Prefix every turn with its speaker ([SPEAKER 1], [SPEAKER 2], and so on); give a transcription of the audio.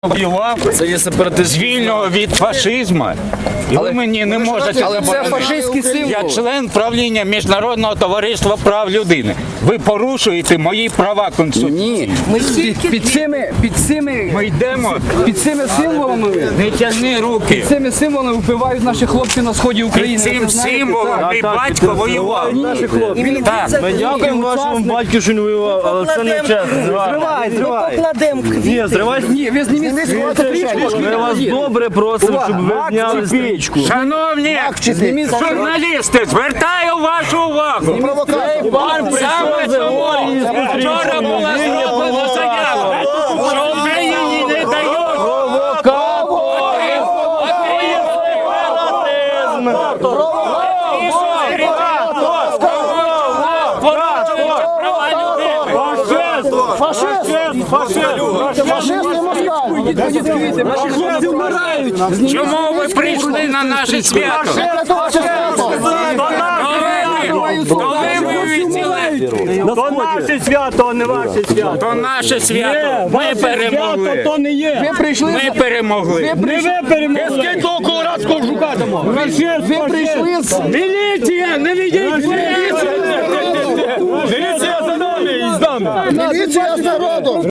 [SPEAKER 1] воював,
[SPEAKER 2] Це є сепаратизм.
[SPEAKER 1] звільнив від фашизму. І ви мені не можете
[SPEAKER 2] Але це
[SPEAKER 1] заборонити.
[SPEAKER 2] фашистський символ.
[SPEAKER 1] Я член правління Міжнародного товариства прав людини. Ви порушуєте мої права конституційні.
[SPEAKER 2] Ні,
[SPEAKER 1] Ми йдемо.
[SPEAKER 2] під цими символами
[SPEAKER 1] Не тягни руки.
[SPEAKER 2] цими символами вбивають наші хлопці на сході України.
[SPEAKER 1] Під цим
[SPEAKER 2] Ви знаєте,
[SPEAKER 1] символом
[SPEAKER 2] так.
[SPEAKER 1] мій батько воював. Так.
[SPEAKER 3] Ми дякуємо вашому батьку, що не воював, але це не чесно.
[SPEAKER 4] Ми покладемо квіти.
[SPEAKER 3] Ні, зривайте.
[SPEAKER 2] Ні, ви зніміть
[SPEAKER 3] Ми вас добре просимо, щоб ви зняли стрічку.
[SPEAKER 1] Шановні журналісти, звертаю вашу увагу. Саме тому вчора була зроблена заява, що Україні не дають Чому ви прийшли на наше свято? Коли ви відділи?
[SPEAKER 3] То наше свято, а не ваше свято.
[SPEAKER 1] То наше свято. Ми перемогли.
[SPEAKER 3] То не є.
[SPEAKER 2] Ви прийшли,
[SPEAKER 1] Ми перемогли.
[SPEAKER 3] Не ви перемогли. Скільки того колорадського жука дамо?
[SPEAKER 2] ви прийшли з...
[SPEAKER 3] Міліція, не відійдіть! Міліція за нами і з нами.
[SPEAKER 4] Міліція з народом!